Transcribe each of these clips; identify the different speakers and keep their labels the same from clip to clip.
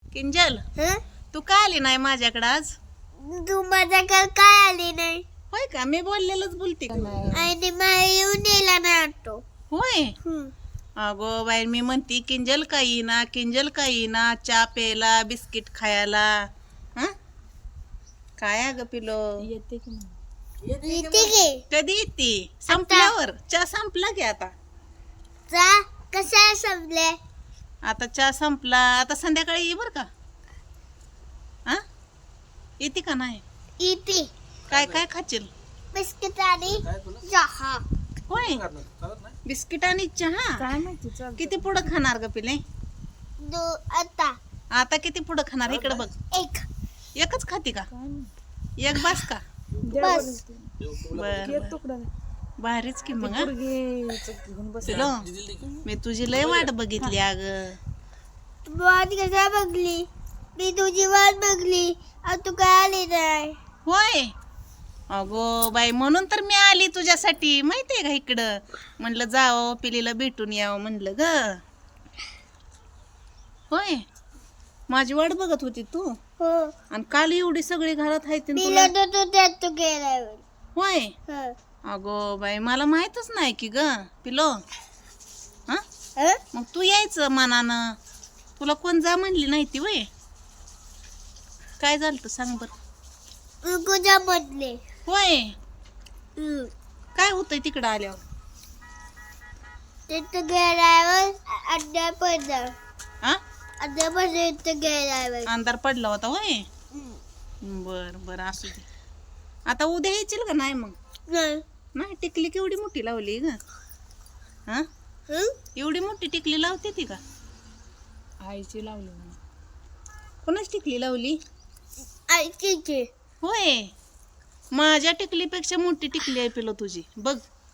Speaker 1: किंजल तू का आली नाही माझ्याकडे आज?
Speaker 2: तू माझ्याकडे काय आली नाही?
Speaker 1: होय का? मी बोललेलंच बोलते का नाही?
Speaker 2: आणि मला येऊन दिला नाही ऑटो.
Speaker 1: होय अगो बाई, मी म्हणती किंजल का येईना, किंजल का येईना, चहा प्यायला, बिस्किट खायला. हं? काय अगं पिलो?
Speaker 2: येते की
Speaker 1: कधी येते? संपल्यावर. चहा संपला की आता.
Speaker 2: जा कशा संपले?
Speaker 1: आता चहा संपला, आता संध्याकाळी ये बर का. हा येते का नाही?
Speaker 2: येते.
Speaker 1: काय काय खाशील?
Speaker 2: बिस्किट आणि चहा.
Speaker 1: होय, बिस्किट आणि चहा. किती पुढं खाणार ग पिले?
Speaker 2: आता
Speaker 1: आता किती पुढं खाणार? इकडे बघ. एकच खाती का? एक बास का?
Speaker 2: बस.
Speaker 1: बर भारीच की मग. पिलो, मी तुझी लय वाट बघितली अग.
Speaker 2: वाट कशा बघली? मी तुझी वाट बघली आणि तू काय आली नाही.
Speaker 1: होय अगो बाई, म्हणून तर मी आली तुझ्यासाठी. माहितीये का, इकडं म्हणलं जावं, पिलीला भेटून यावं म्हणलं ग. होय, माझी वाट बघत होती तू.
Speaker 2: हो.
Speaker 1: आणि काल एवढी सगळी घरात आहेत
Speaker 2: मी
Speaker 1: तुला.
Speaker 2: तू गेलाय.
Speaker 1: होय
Speaker 2: हो.
Speaker 1: अगो बाई, मला माहितच नाही की ग पिलो. हा मग तू यायचं मनानं. तुला कोण जा म्हणली नाही ती? वय काय झालं सांग बर.
Speaker 2: तुझ्या बदले.
Speaker 1: होय, काय होतंय तिकडं आल्यावर?
Speaker 2: तिथं गेल्यावर अड्डा पडला.
Speaker 1: हा
Speaker 2: अड्डा पडला इथं गेल्यावर.
Speaker 1: अंधार पडला होता. होय, बर बर असू दे. आता उद्या यायची का नाही? मग नाही, टिकली केवढी मोठी लावली ग. हा एवढी मोठी टिकली लावते ती का?
Speaker 3: आईची लावली.
Speaker 1: कोणाच टिकली लावली?
Speaker 2: ऐकी.
Speaker 1: होय, माझ्या टिकलीपेक्षा मोठी टिकली आहे पिलो तुझी. बघ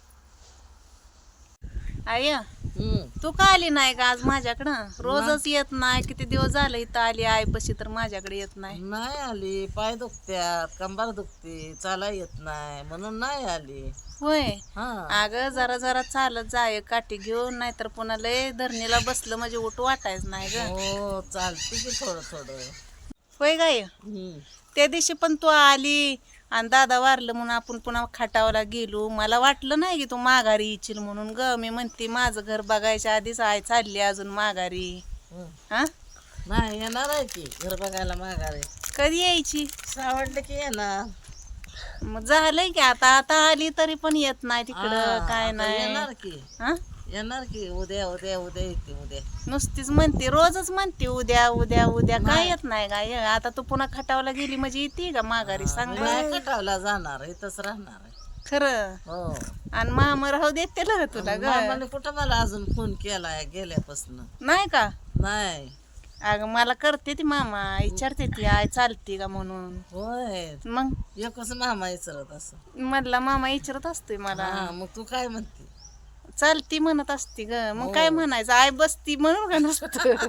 Speaker 1: आय, तू का आली नाही का आज माझ्याकडं? रोजच येत नाही. किती दिवस झाले इथं आली आईपाशी तर माझ्याकडे येत नाही.
Speaker 3: नाही आली, पाय दुखत्यात, कंबर दुखते, चाला येत नाही म्हणून नाही आली.
Speaker 1: होय
Speaker 3: हा
Speaker 1: अगं, जरा जरा चालत जाय काठी घेऊन, नाहीतर पुन्हा लय धरणीला बसलं म्हणजे उठ वाटायच नाही ग.
Speaker 3: हो, चालते की थोडं थोडं.
Speaker 1: होय गाय, त्या दिवशी पण तू आली आणि दादा वारलं म्हणून आपण पुन्हा खाटावला गेलो. मला वाटलं नाही की तू माघारी येशील म्हणून ग. मी म्हणते माझं घर बघायच्या आधीच आई चालली अजून माघारी. हा
Speaker 3: नाही येणार आहे की घर बघायला माघारी.
Speaker 1: कधी यायची?
Speaker 3: सावडलं की येणार.
Speaker 1: मग झालंय की आता आता आली तरी पण येत नाही तिकडं. काय
Speaker 3: आता
Speaker 1: नाही.
Speaker 3: येणार की.
Speaker 1: हा
Speaker 3: येणार की उद्या उद्या उद्या येते उद्या.
Speaker 1: नुसतीच म्हणते, रोजच म्हणते उद्या उद्या उद्या. काय येत नाही काय? आता तू पुन्हा खटावला गेली म्हणजे येते का माघारी? सांग बरं.
Speaker 3: नाही कटावला जाणार, इथंच राहणार आहे.
Speaker 1: खरं.
Speaker 3: हो,
Speaker 1: आणि मामा राहू देत त्याला तुला ग?
Speaker 3: मामाने कुठं मला अजून फोन केलाय गेल्यापासून?
Speaker 1: नाही का?
Speaker 3: नाही.
Speaker 1: अगं मला करते ती मामा, विचारते ती आई चालते का म्हणून.
Speaker 3: होय,
Speaker 1: मग
Speaker 3: एकच मामा विचारत असं.
Speaker 1: मधला मामा विचारत असतोय मला.
Speaker 3: हा, मग तू काय म्हणते?
Speaker 1: चालती म्हणत असते ग. मग काय म्हणायचं? आई बसती म्हणून का नसतं?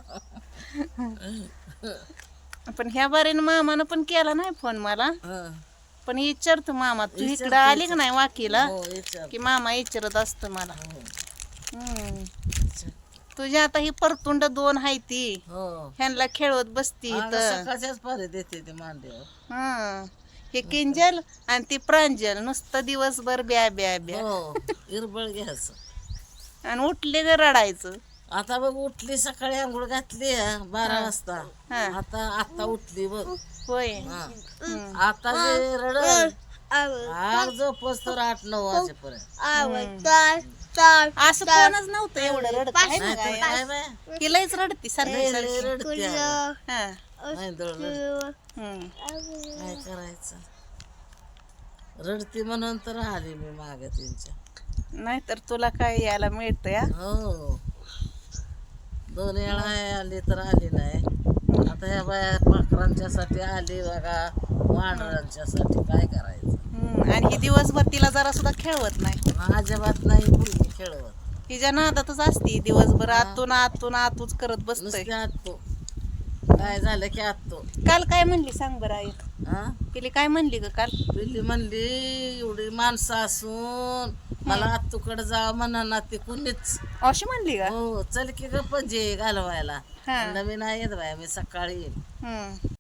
Speaker 1: पण ह्या बारीनं मामानं पण केला नाही फोन मला.
Speaker 3: हं.
Speaker 1: पण विचारतो मामा, तू इकडं आली का नाही वाकीला
Speaker 3: हो, विचार.
Speaker 1: की मामा विचारत असतो मला.
Speaker 3: हो,
Speaker 1: हम्म. तुझी आता ही परतुंड दोन हाय ती,
Speaker 3: हो.
Speaker 1: ह्यांना खेळवत बसती
Speaker 3: अगं,
Speaker 1: इथं.
Speaker 3: सकाळच्याच पारी देते ते मांडीवर.
Speaker 1: हं. हे किंजल आणि ती प्रांजल नुसतं दिवसभर ब्या ब्या ब्या.
Speaker 3: हो, इरबळ घ्यायचं.
Speaker 1: आणि उठले ग रडायचं.
Speaker 3: आता बघ उठली, सकाळी आंघोळ घातली 12 वाजता.
Speaker 1: हा.
Speaker 3: आता उठली बघ.
Speaker 1: होय.
Speaker 3: हा.
Speaker 1: हं.
Speaker 3: आता जे रडल आज झोपच तर 8-9 वाजेपर्यंत.
Speaker 1: असं कोणच नव्हतं एवढं रडत आहे ना
Speaker 3: नाही तर
Speaker 1: गाय?
Speaker 3: काय बाय,
Speaker 1: ही लयच रडती सारखी
Speaker 3: लय
Speaker 1: सारखी.
Speaker 3: रडते अगं.
Speaker 1: हा.
Speaker 3: नाही दळलं.
Speaker 1: हं.
Speaker 3: काय करायचं? रडती म्हणून तर आली मी मागे त्यांच्या.
Speaker 1: नाहीतर तुला काय यायला मिळतं या?
Speaker 3: हो, 2 वेळा आली तर आली नाही. आता ह्या बाया पाखरांच्यासाठी आली बघा, वानरांच्यासाठी. काय करायचं?
Speaker 1: आणि ही दिवसभर तिला जरा सुद्धा खेळवत नाही.
Speaker 3: अजिबात नाही मुलगी खेळवत.
Speaker 1: तिच्या नादातच असती दिवसभर. आतून आतून आतूच करत बसतोय.
Speaker 3: नुसते आत्तो, काय झालं की आत्तो.
Speaker 1: काल काय म्हणली सांग बरं आई?
Speaker 3: हा
Speaker 1: पिली काय म्हणली ग काल?
Speaker 3: पिल्ली म्हणली एवढी माणसं असून मला आत्तूकडे जा म्हणा ना ते कुणीच.
Speaker 1: अशी म्हणली का?
Speaker 3: हो चल की ग पजे घालवायला.
Speaker 1: हा.
Speaker 3: नवीन आहे येत बाया मी सकाळी येईल.
Speaker 1: हम्म